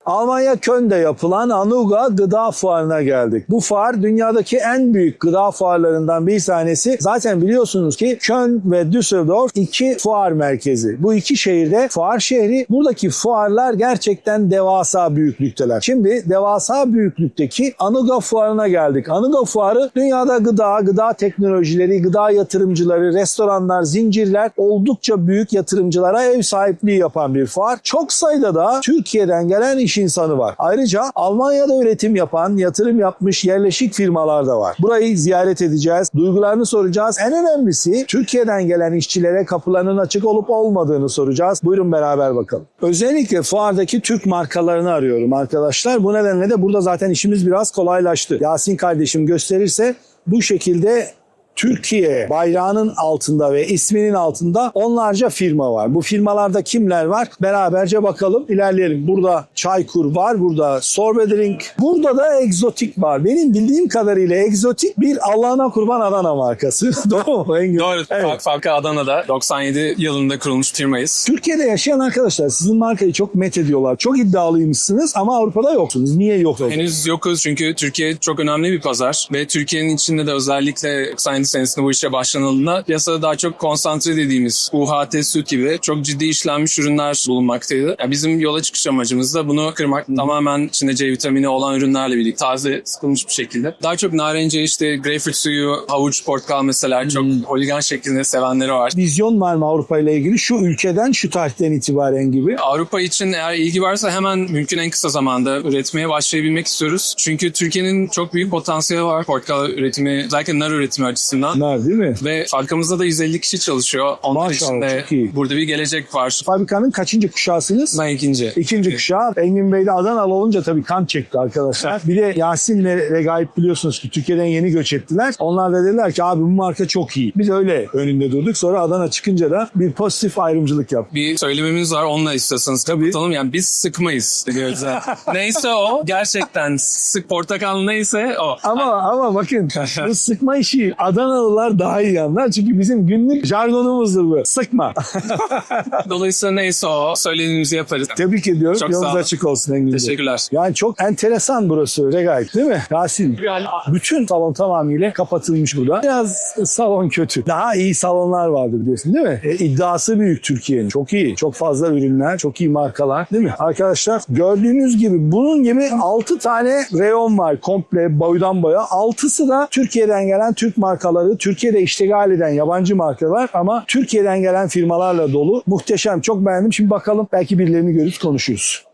Almanya Köln'de yapılan Anuga Gıda Fuarı'na geldik. Bu fuar dünyadaki en büyük gıda fuarlarından bir tanesi. Zaten biliyorsunuz ki Köln ve Düsseldorf iki fuar merkezi. Bu iki şehirde fuar şehri. Buradaki fuarlar gerçekten devasa büyüklükteler. Şimdi devasa büyüklükteki Anuga Fuarı'na geldik. Anuga Fuarı dünyada gıda teknolojileri, gıda yatırımcıları, restoranlar, zincirler oldukça büyük yatırımcılara ev sahipliği yapan bir fuar. Çok sayıda da Türkiye'den gelen iş insanı var. Ayrıca Almanya'da üretim yapan, yatırım yapmış yerleşik firmalar da var. Burayı ziyaret edeceğiz, duygularını soracağız. En önemlisi Türkiye'den gelen işçilere kapılarının açık olup olmadığını soracağız. Buyurun beraber bakalım. Özellikle fuardaki Türk markalarını arıyorum arkadaşlar. Bu nedenle de burada zaten işimiz biraz kolaylaştı. Yasin kardeşim gösterirse bu şekilde Türkiye bayrağının altında ve isminin altında onlarca firma var. Bu firmalarda kimler var? Beraberce bakalım, ilerleyelim. Burada Çaykur var, burada Sorbet, burada da Egzotik var. Benim bildiğim kadarıyla Egzotik bir Allah'ına kurban Adana markası. Doğru mu? Doğru. Evet. Fabrika Adana'da 97 yılında kurulmuş firmayız. Türkiye'de yaşayan arkadaşlar sizin markayı çok met ediyorlar. Çok iddialıymışsınız ama Avrupa'da yoksunuz. Niye yok? Henüz yokuz çünkü Türkiye çok önemli bir pazar ve Türkiye'nin içinde de özellikle 97 senesinde bu işe başlanıldığında piyasada daha çok konsantre dediğimiz UHT süt gibi çok ciddi işlenmiş ürünler bulunmaktaydı. Yani bizim yola çıkış amacımız da bunu kırmak. Tamamen içinde C vitamini olan ürünlerle birlikte taze sıkılmış bir şekilde. Daha çok narence, işte greyfurt suyu, havuç, portakal mesela çok holigan şeklinde sevenleri var. Vizyon var mı Avrupa ile ilgili? Şu ülkeden, şu tarihten itibaren gibi. Avrupa için eğer ilgi varsa hemen mümkün en kısa zamanda üretmeye başlayabilmek istiyoruz. Çünkü Türkiye'nin çok büyük potansiyeli var portakal üretimi, özellikle nar üretimi açısından. Nar değil mi? Ve fabrikamızda da 150 kişi çalışıyor. Onlar için de burada bir gelecek var. Fabrikanın kaçıncı kuşağısınız? Ben ikinci. İkinci kuşağı. Engin Bey de Adanalı olunca tabii kan çekti arkadaşlar. Bir de Yasin ve Regaip biliyorsunuz ki Türkiye'den yeni göç ettiler. Onlar da dediler ki abi bu marka çok iyi. Biz öyle önünde durduk. Sonra Adana çıkınca da bir pozitif ayrımcılık yaptık. Bir söylememiz var, onunla istiyorsanız kapatalım. Yani biz sıkmayız diyoruz. Neyse o. Gerçekten sık portakal neyse o. Ama bakın bu sıkma işi Adanalılar daha iyi anlar. Çünkü bizim günlük jargonumuzdur bu. Sıkma. Dolayısıyla neyse o. Söylediğimizi yaparız. Tebrik ediyorum. Çok Yolunuz sağ olun. açık olsun Engin Bey. Teşekkürler. Yani çok enteresan burası Regaip değil mi? Yasin. Bütün salon tamamıyla kapatılmış burada. Biraz salon kötü. Daha iyi salonlar vardır biliyorsun değil mi? İddiası büyük Türkiye'nin. Çok iyi. Çok fazla ürünler, çok iyi markalar değil mi? Arkadaşlar gördüğünüz gibi bunun gibi 6 tane reyon var komple boydan boya. 6'sı da Türkiye'den gelen Türk markaları, Türkiye'de iştigal eden yabancı markalar ama Türkiye'den gelen firmalarla dolu. Muhteşem. Çok beğendim. Şimdi bakalım belki birilerini görüp konuşuruz.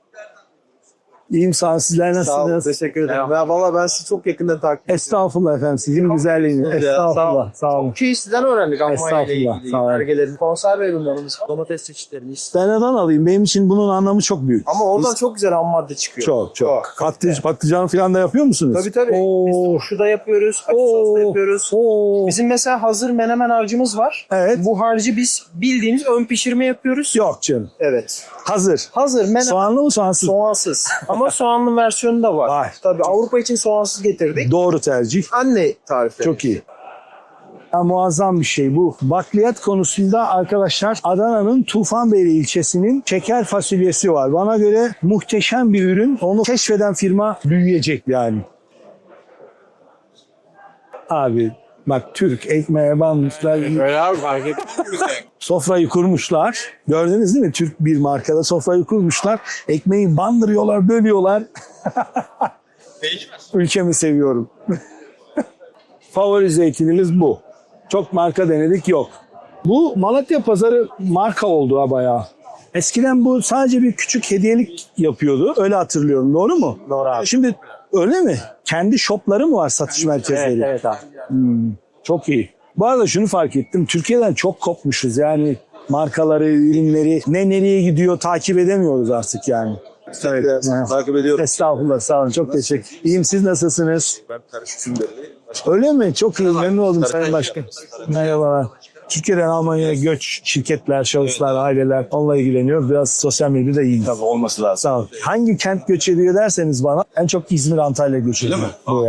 İyiyim sağ olun. Sizler nasılsınız? Sağ olun, teşekkür ederim. Ya valla ben sizi çok yakından takip ediyorum. Estağfurullah efendim. Sizin güzelliğiniz. Estağfurullah. Sağ olum. Ki sizden öğrendik Almanya ile Estağfurullah, ilgili. sağ olun. Belgelerin, konserve ürünlerimiz, domates çeşitlerimiz. Ben alayım. Benim için bunun anlamı çok büyük. Ama oradan çok güzel ham madde çıkıyor. Çok. Patlıcan falan da yapıyor musunuz? Tabii. Biz Oo. turşu da yapıyoruz, acı sos da yapıyoruz. Oo. Bizim mesela hazır menemen harcımız var. Evet. Bu harcı biz bildiğimiz ön pişirme yapıyoruz. Yok canım. Evet. Hazır. Hazır menemen. Soğanlı mı soğansız? Soğansız. Ama soğanlı versiyonu da var. Var. Tabii Avrupa için soğansız getirdik. Doğru tercih. Anne tarifleri. Çok iyi. Ya, muazzam bir şey bu. Bakliyat konusunda arkadaşlar Adana'nın Tufanbeyli ilçesinin şeker fasulyesi var. Bana göre muhteşem bir ürün. Onu keşfeden firma büyüyecek yani. Abi bak Türk ekmeğe banmışlar. Öyle abi fark ettim. Sofrayı kurmuşlar. Gördünüz değil mi? Türk bir markada sofrayı kurmuşlar. Ekmeği bandırıyorlar, bölüyorlar. Ülkemi seviyorum. Favori zeytinimiz bu. Çok marka denedik yok. Bu Malatya pazarı marka oldu ha bayağı. Eskiden bu sadece bir küçük hediyelik yapıyordu. Öyle hatırlıyorum. Doğru mu? Doğru abi. Şimdi öyle mi? Kendi shopları mı var satış merkezleri? Evet abi. Çok iyi. Bu arada şunu fark ettim. Türkiye'den çok kopmuşuz. Yani markaları, ürünleri nereye gidiyor takip edemiyoruz artık yani. Evet. Takip ediyorum. Estağfurullah sağ olun. Çok teşekkür. İyiyim siz nasılsınız? Ben karışıksın belli. Öyle mi? Çok iyi. Memnun oldum Sayın Başkan. Merhabalar. Türkiye'den Almanya'ya göç, şirketler, şahıslar, aileler onunla ilgileniyor. Biraz sosyal medyada iyi. Tabii olması lazım. Sağ olun. Hangi kent göç ediyor derseniz bana en çok İzmir, Antalya göç ediyor. Buraya.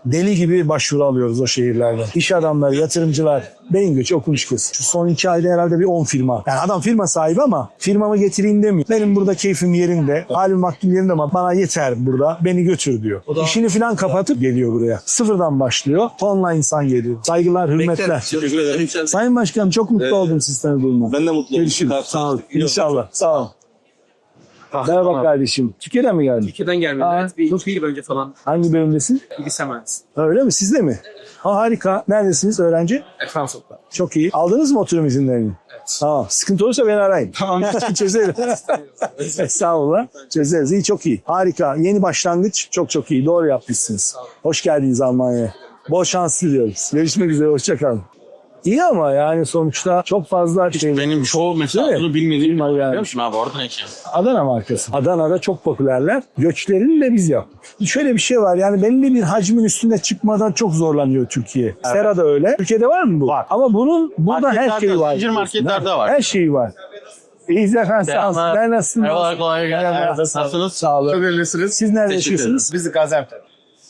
deli gibi başvuru alıyoruz o şehirlerden. İş adamları, yatırımcılar, beyin göçü okumuş kız. Şu son 2 ayda herhalde bir 10 firma. Yani adam firma sahibi ama firmamı getireyim demiyor. Benim burada keyfim yerinde, halim vaktim yerinde ama bana yeter burada, beni götür diyor. İşini falan kapatıp geliyor buraya. Sıfırdan başlıyor. Tonla insan geliyor. Saygılar, hürmetler. Teşekkür ederim. Sayın Başkanım çok mutlu oldum siz tanıdığıma. Ben de mutluyum. Görüşürüz. Sağ olun. İnşallah. Sağ olun. Merhaba kardeşim. Türkiye'den mi geldin? Türkiye'den gelmedi. Evet, bir 2 yıl önce falan Hangi bölümdesin? bilgisayar mühendisi. Öyle mi? Sizde mi? Ha, harika. Neredesiniz öğrenci? Fransa'da. Çok iyi. Aldınız mı oturum izinlerini? Evet. Tamam. Sıkıntı olursa beni arayın. Tamam. Çözerim. Sağ olun. Çözeriz. İyi, çok iyi. Harika. Yeni başlangıç. Çok çok iyi. Doğru yapmışsınız. Hoş geldiniz Almanya'ya. Bol şans diliyoruz. Görüşmek üzere. Hoşça kalın. İyi ama yani sonuçta çok fazla şey. Benim çoğu mesela Değil mi? bunu bilmediğim Yani. biliyor musun abi orada ne ki? Adana markası. Adana'da çok popülerler. Göçlerini de biz yaptık. Şöyle bir şey var, yani belli bir hacmin üstünde çıkmadan çok zorlanıyor Türkiye. Sera da öyle. Türkiye'de var mı bu? Var. Ama bunun burada her Marketlerde, şeyi var. zincir marketlerde var. Her şeyi var. İyiyiz efendim, sağ olun. Ben nasılsınız? Eyvallah, kolay gelsin. Merhaba. Nasılsınız? Sağ olun. Öğrenisiniz. Siz nerede Teşekkür yaşıyorsunuz? Biz de Gaziantep.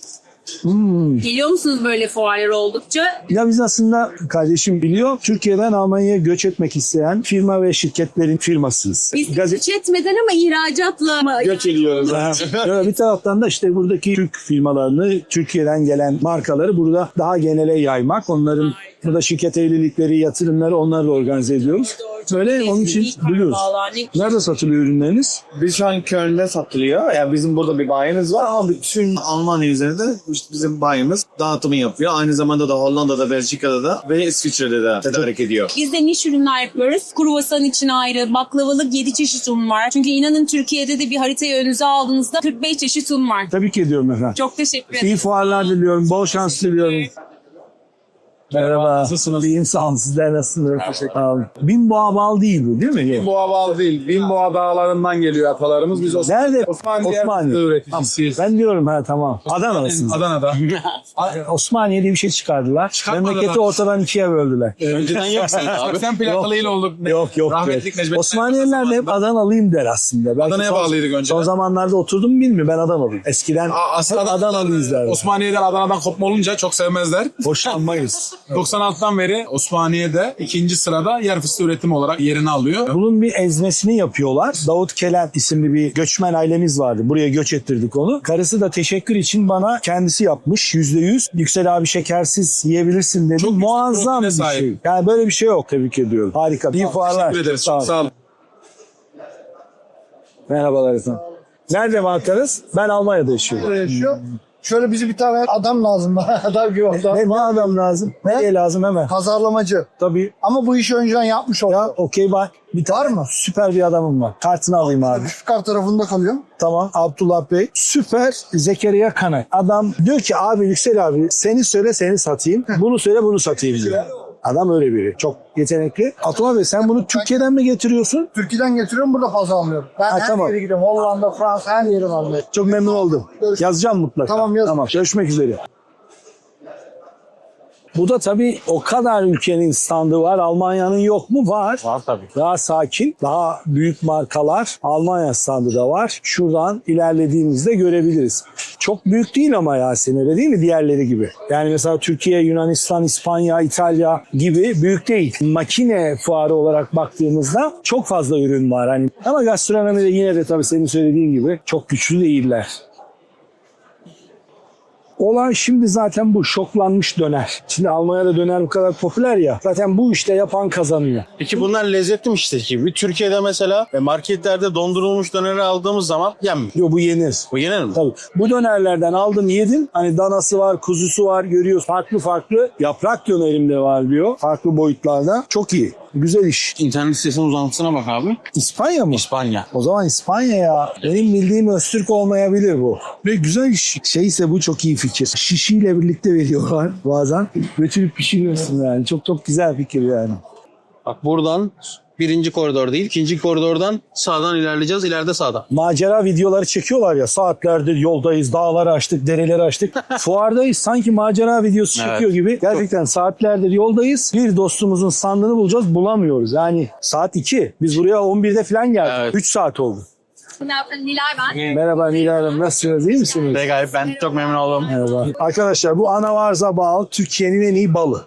Geliyor musunuz böyle fuarlar oldukça? Ya biz aslında, kardeşim biliyor, Türkiye'den Almanya'ya göç etmek isteyen firma ve şirketlerin firmasıyız. Biz hiç etmeden ama ihracatla mı? Göç ediyoruz. Evet, bir taraftan da işte buradaki Türk firmalarını, Türkiye'den gelen markaları burada daha genele yaymak, onların burada şirket evlilikleri, yatırımları, onları da organize ediyoruz. Böyle onun için biliyoruz. Nerede satılıyor ürünleriniz? Biz şu an Köln'de satılıyor. Yani bizim burada bir bayimiz var ama bütün Almanya üzerinde işte bizim bayimiz dağıtımı yapıyor. Aynı zamanda da Hollanda'da, Belçika'da da ve İsviçre'de de tedarik ediyor. Biz de niş ürünler yapıyoruz. Kruvasan için ayrı, baklavalık 7 çeşit un var. Çünkü inanın Türkiye'de de bir haritayı önünüze aldığınızda 45 çeşit un var. Tebrik ediyorum efendim. Çok teşekkür ederim. İyi fuarlar diliyorum, bol şans diliyorum. Merhaba. Nasılsınız? İyiyim, sağ olun. Sizler nasılsınız? Sağ olun. Binboğa bal değil bu, değil mi? Binboğa bağlı değil. Binboğa dağlarından geliyor atalarımız. Biz Nerede? Osmaniye Osmaniye. üreticisiyiz. Ben diyorum tamam. Adana'lısınız. Adana'da. Osmaniye'de bir şey çıkardılar. Çıkartmadılar. Memleketi ortadan ikiye böldüler. Önceden yok sanki abi. Sen plakalıyla olduk. Yok. Rahmetlik Necmettin. Osmaniyeliler de hep Adanalıyım der aslında. Belki Adana'ya bağlıydık önceden. Son zamanlarda oturdum mu bilmiyorum, ben Adanalıyım. Eskiden Aslında hep Adanalıyız derler. Osmaniye'den Adana'dan kopma olunca çok sevmezler. Hoşlanmayız. 96'dan beri Osmaniye'de ikinci sırada yer fıstığı üretimi olarak yerini alıyor. Bunun bir ezmesini yapıyorlar. Davut Kelen isimli bir göçmen ailemiz vardı. Buraya göç ettirdik onu. Karısı da teşekkür için bana kendisi yapmış. %100. Yüksel abi şekersiz yiyebilirsin dedi. Çok yüksek Muazzam bir proteine şey. sahip. Yani böyle bir şey yok. Tebrik ediyorum. Harika. İyi fuarlar. Teşekkür ederiz. Sağ olun. Sağ olun. Merhabalar efendim. Nerede markanız? Ben Almanya'da yaşıyorum. Şöyle bize bir tane adam lazım. Adam gibi adam. Ne adam lazım? Nereye lazım hemen? Pazarlamacı. Tabii. Ama bu işi önceden yapmış oldu. Ya okey bak. Bir Var mı? Süper bir adamım var. Kartını alayım abi. Üsküdar tarafında kalıyor. Tamam. Abdullah Bey. Süper Zekeriya Kanay. Adam diyor ki abi Yüksel abi seni söyle seni satayım. Bunu söyle bunu satayım diyor. Adam öyle biri. Çok yetenekli. Abdullah Bey sen bunu Türkiye'den mi getiriyorsun? Türkiye'den getiriyorum, burada pazarlıyorum. Ben her tamam. yere gidiyorum. Hollanda, Fransa, her yeri var. Çok memnun oldum. Yazacağım mutlaka. Tamam, yaz. Tamam. Görüşmek üzere. Bu da tabii o kadar ülkenin standı var. Almanya'nın yok mu? Var. Var tabii. Daha sakin, daha büyük markalar Almanya standı da var. Şuradan ilerlediğimizde görebiliriz. Çok büyük değil ama Yasin, öyle değil mi diğerleri gibi? Yani mesela Türkiye, Yunanistan, İspanya, İtalya gibi büyük değil. Makine fuarı olarak baktığımızda çok fazla ürün var. Hani ama gastronomide yine de tabii senin söylediğin gibi çok güçlü değiller. Olay şimdi zaten bu şoklanmış döner. Şimdi Almanya'da döner bu kadar popüler ya. Zaten bu işte yapan kazanıyor. Peki bunlar lezzetli mi işte gibi? Türkiye'de mesela marketlerde dondurulmuş döneri aldığımız zaman yenmiyor. Yo, bu yenir. Bu yenir mi? Tabii. Bu dönerlerden aldım yedim. Hani danası var, kuzusu var görüyoruz. Farklı yaprak dönerim var diyor. Farklı boyutlarda. Çok iyi. Güzel iş. İnternet sitesinin uzantısına bak abi. İspanya mı? İspanya. O zaman İspanya ya. Benim bildiğim Öztürk olmayabilir bu. Ve güzel iş. Şeyse bu çok iyi fikir. Şişiyle birlikte veriyorlar bazen. Götürüp pişiriyorsun yani. Çok güzel fikir yani. Bak buradan birinci koridor değil, ikinci koridordan sağdan ilerleyeceğiz. İleride sağda. Macera videoları çekiyorlar ya, saatlerdir yoldayız, dağları açtık, dereleri açtık. Fuardayız, sanki macera videosu Evet. çekiyor gibi. Gerçekten saatlerdir yoldayız. Bir dostumuzun standını bulacağız, bulamıyoruz. Yani saat 2. Biz buraya 11'de falan geldik. Evet. 3 saat oldu. Nilay ben. Merhaba Nilay Hanım, nasılsınız? İyi misiniz? Regaip ben çok memnun oldum. Merhaba. Arkadaşlar bu anavarza bal Türkiye'nin en iyi balı.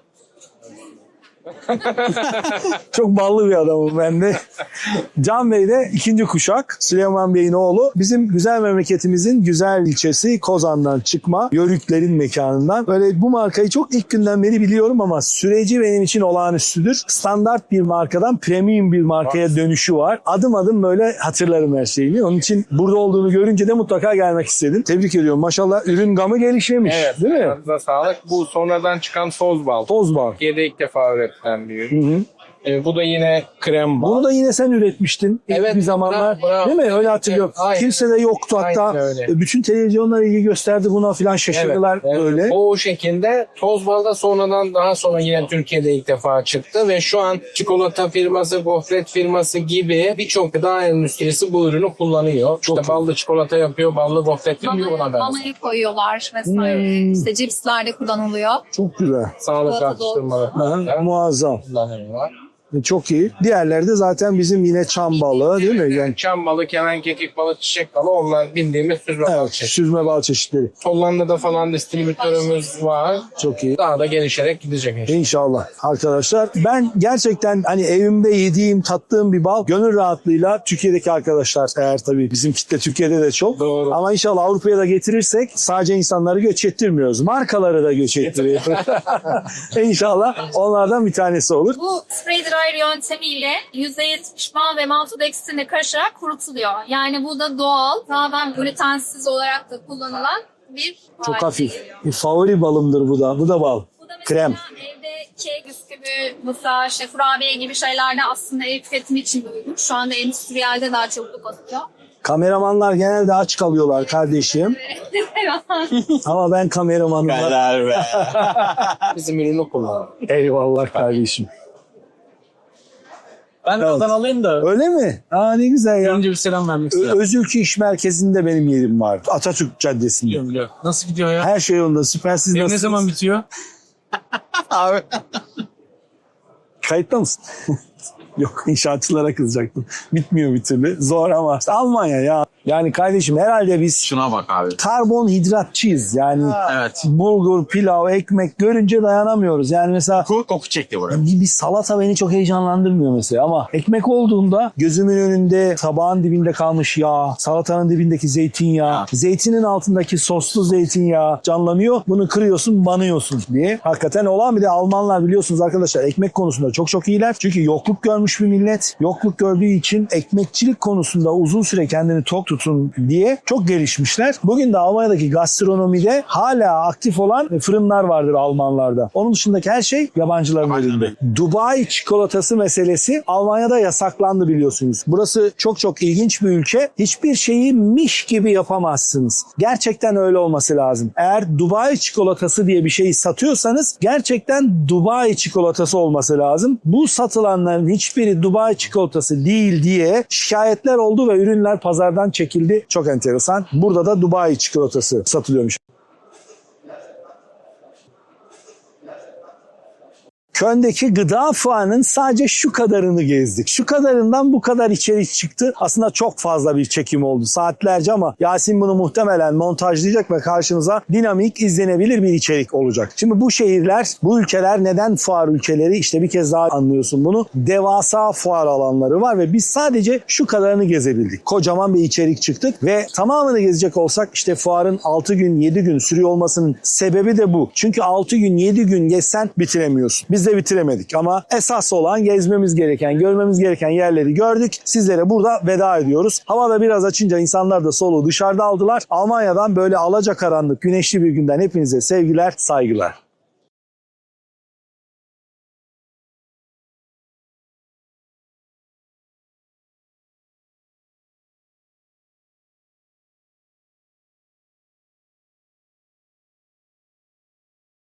Çok ballı bir adamım ben de. Can Bey de ikinci kuşak. Süleyman Bey'in oğlu. Bizim güzel memleketimizin güzel ilçesi Kozan'dan çıkma Yörüklerin mekanından. Böyle bu markayı çok ilk günden beri biliyorum ama süreci benim için olağanüstüdür. Standart bir markadan premium bir markaya dönüşü var. Adım adım böyle hatırlarım her şeyini. Onun için burada olduğunu görünce de mutlaka gelmek istedim. Tebrik ediyorum. Maşallah ürün gamı gelişmemiş. Evet. Değil mi? Ağzına sağlık. Bu sonradan çıkan toz bal. Toz bal. Türkiye'de ilk defa üretilen bir ürün. Bu da yine krem bal. Bunu da yine sen üretmiştin ilk Evet, bir zamanlar. bravo. Değil mi? Öyle hatırlıyorum. Evet, aynen. Kimse de yoktu hatta. Aynen öyle. Bütün televizyonlar ilgi gösterdi buna filan şaşırdılar Evet. öyle. O şekilde toz bal da sonradan daha sonra yine Türkiye'de ilk defa çıktı ve şu an çikolata firması, gofret firması gibi birçok gıda endüstrisi bu ürünü kullanıyor. Çok İşte ballı çikolata yapıyor, ballı gofret yapıyor buna benzer. Mamayı koyuyorlar vesaire. İşte cipslerde kullanılıyor. Çok güzel. Sağlık Çikolata atıştırmaları Aha, muazzam. kullanıyorlar. Çok iyi. Diğerleri de zaten bizim yine çam balığı değil mi? Yani, Çam balı, kemen kekik balı, çiçek balı onlar bildiğimiz süzme bal evet, çeşidi. süzme bal çeşitleri. Hollanda'da falan distribütörümüz var. Çok iyi. Daha da gelişerek gidecek işte. İnşallah arkadaşlar. Ben gerçekten hani evimde yediğim, tattığım bir bal gönül rahatlığıyla Türkiye'deki arkadaşlar eğer tabii bizim kitle Türkiye'de de çok. Doğru. Ama inşallah Avrupa'ya da getirirsek sadece insanları göç ettirmiyoruz. Markaları da göç ettiriyoruz. İnşallah onlardan bir tanesi olur. Bu spray dryer yöntemiyle %70 bal ve maltodextrinle karışarak kurutuluyor. Yani bu da doğal, tamamen glutensiz olarak da kullanılan bir Çok hale hafif. geliyor. Bir favori balımdır bu da. Bu da bal. Bu da mesela Krem. evde kek, bisküvi, mısır, işte kurabiye gibi şeylerde aslında ev tüketimi için de uygun. Şu anda endüstriyelde daha çabuk atıyor. Kameramanlar genelde aç kalıyorlar kardeşim. Ama ben kameramanım. Helal be. Bizim ürünü kullanıyor. Eyvallah kardeşim. Ben de Evet. oradan alayım da. Öyle mi? Aa ne güzel ya. Önce bir selam vermek istiyorum. Özülkü İş Merkezi'nde benim yerim var. Atatürk Caddesi'nde. Biliyorum. Nasıl gidiyor ya? Her şey yolunda. Süper. Siz Ev ne nasılsınız? zaman bitiyor? Abi. Kayıtta mısın? Yok, inşaatçılara kızacaktım. Bitmiyor bir türlü. Zor ama. İşte Almanya ya. Yani kardeşim herhalde biz Şuna bak abi. karbonhidratçıyız. Yani Evet. bulgur, pilav, ekmek görünce dayanamıyoruz. Yani mesela Koku çekti buraya. bir salata beni çok heyecanlandırmıyor mesela ama ekmek olduğunda gözümün önünde tabağın dibinde kalmış yağ, salatanın dibindeki zeytinyağı, zeytinin altındaki soslu zeytinyağı canlanıyor. Bunu kırıyorsun, banıyorsun diye. Hakikaten olan bir de Almanlar biliyorsunuz arkadaşlar ekmek konusunda çok çok iyiler. Çünkü yokluk görmüş bir millet. Yokluk gördüğü için ekmekçilik konusunda uzun süre kendini tok tutun diye çok gelişmişler. Bugün de Almanya'daki gastronomide hala aktif olan fırınlar vardır Almanlarda. Onun dışındaki her şey yabancıların elinde. Dubai çikolatası meselesi Almanya'da yasaklandı biliyorsunuz. Burası çok çok ilginç bir ülke. Hiçbir şeyi miş gibi yapamazsınız. Gerçekten öyle olması lazım. Eğer Dubai çikolatası diye bir şeyi satıyorsanız gerçekten Dubai çikolatası olması lazım. Bu satılanların hiçbiri Dubai çikolatası değil diye şikayetler oldu ve ürünler pazardan çekildi. Çok enteresan. Burada da Dubai çikolatası satılıyormuş. Köln'deki gıda fuarının sadece şu kadarını gezdik. Şu kadarından bu kadar içerik çıktı. Aslında çok fazla bir çekim oldu. Saatlerce ama Yasin bunu muhtemelen montajlayacak ve karşınıza dinamik, izlenebilir bir içerik olacak. Şimdi bu şehirler, bu ülkeler neden fuar ülkeleri? İşte bir kez daha anlıyorsun bunu. Devasa fuar alanları var ve biz sadece şu kadarını gezebildik. Kocaman bir içerik çıktık ve tamamını gezecek olsak işte fuarın 6 gün, 7 gün sürüyor olmasının sebebi de bu. Çünkü 6 gün, 7 gün gezsen bitiremiyorsun. Biz de bitiremedik ama esas olan gezmemiz gereken, görmemiz gereken yerleri gördük. Sizlere burada veda ediyoruz. Hava da biraz açınca insanlar da soluğu dışarıda aldılar. Almanya'dan böyle alacakaranlık, güneşli bir günden hepinize sevgiler, saygılar.